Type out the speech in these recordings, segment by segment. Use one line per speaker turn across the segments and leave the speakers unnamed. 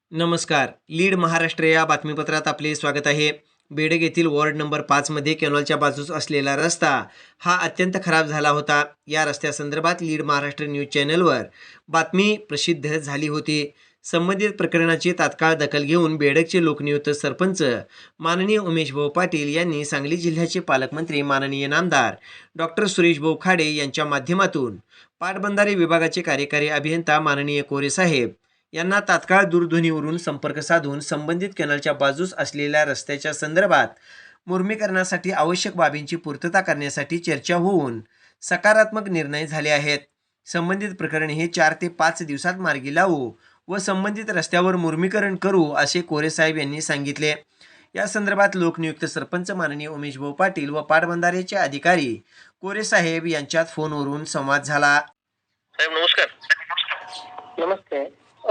नमस्कार. लीड महाराष्ट्र या बातमीपत्रात आपले स्वागत आहे. बेडग येथील वॉर्ड नंबर 5 मध्ये कॅनॉलच्या बाजूस असलेला रस्ता हा अत्यंत खराब झाला होता. या रस्त्यासंदर्भात लीड महाराष्ट्र न्यूज चॅनलवर बातमी प्रसिद्ध झाली होती. संबंधित प्रकरणाची तात्काळ दखल घेऊन बेडगचे लोकनियुक्त सरपंच माननीय उमेश भाऊ पाटील यांनी सांगली जिल्ह्याचे पालकमंत्री माननीय नामदार डॉक्टर सुरेश भाऊ खाडे यांच्या माध्यमातून पाटबंधारे विभागाचे कार्यकारी अभियंता माननीय कोरे साहेब यांना तात्काळ दूरध्वनीवरून संपर्क साधून संबंधित कॅनलच्या बाजूस असलेल्या रस्त्याच्या संदर्भात मुर्मीकरणासाठी आवश्यक बाबींची पूर्तता करण्यासाठी चर्चा होऊन सकारात्मक निर्णय झाले आहेत. संबंधित प्रकरण हे 4 ते 5 दिवसात मार्गी लावू व संबंधित रस्त्यावर मुर्मीकरण करू असे कोरे साहेब यांनी सांगितले. या संदर्भात लोकनियुक्त सरपंच माननीय उमेश भाऊ पाटील व पाटबंधारेचे अधिकारी कोरे साहेब यांच्यात फोनवरून संवाद झाला.
साहेब नमस्कार.
नमस्ते.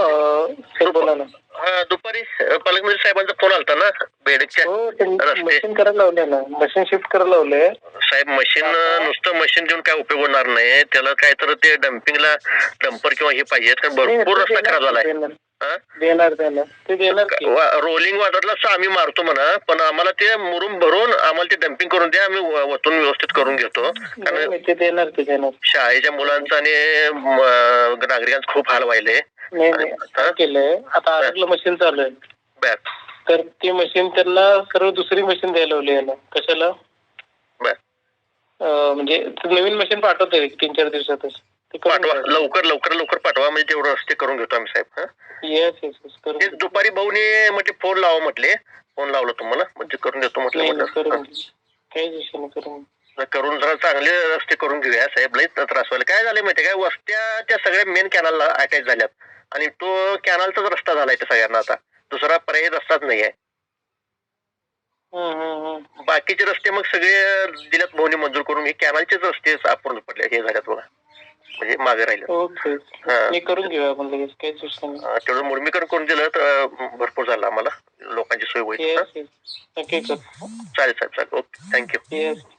सर बोला ना.
दुपारी पालकमंत्री साहेबांचा फोन आलता ना बेडकच्या
हो,
रस्ते
मशीन करायला लावले ना, मशीन शिफ्ट करायला लावले.
साहेब मशीन नुसतं मशीन देऊन काय उपयोग होणार नाही. त्याला काय तर ते डम्पिंगला डंपर किंवा हे पाहिजे, कारण भरपूर रस्ता खराब झालाय.
देणार ते देणार की.
रोलिंग वाटरला आम्ही मारतो म्हणा, पण आम्हाला ते मुरुम भरून आम्हाला ते डम्पिंग करून द्या, आम्ही वतून व्यवस्थित करून घेतो. कारण
ते देणार
शाळेच्या मुलांचा आणि नागरिकांचा खूप हाल व्हायले.
नाही काय केलंय आता, आरगलं मशीन चालू आहे.
बर.
तर ती मशीन त्यांना सर्व दुसरी मशीन द्यायला लावली याला. कशाला?
बर.
म्हणजे नवीन मशीन पाठवतोय 3-4 दिवसातच.
पाठवा, लवकर पाठवा, म्हणजे तेवढं रस्ते करून घेतो आम्ही साहेब.
येस.
दुपारी भाऊने म्हटले फोन लावा म्हटले, फोन लावला तुम्हाला म्हणजे करून देतो म्हटलं.
काही विषय नाही,
करून जरा चांगले रस्ते करून घेऊया साहेब. लई त्रास व्हायला. काय झालंय माहितीये काय, वस्त्या त्या सगळ्या मेन कॅनलला अटॅच झाल्यात आणि तो कॅनलचाच रस्ता झालाय त्या सगळ्यांना. आता दुसरा पर्यायी रस्ताच नाहीये. बाकीचे रस्ते मग सगळे दिल्यात भाऊने मंजूर करून. हे कॅनलचेच रस्ते अपूर्ण पडले, हे झाल्यात बघा, म्हणजे मागे राहिले.
करून घेऊया आपण लगेच, काहीच विषय नाही.
तेवढं मुर्मीकरण करून दिलं तर भरपूर झालं, आम्हाला लोकांची सोय होईल.
चालेल
साहेब, चालेल. Okay, thank you.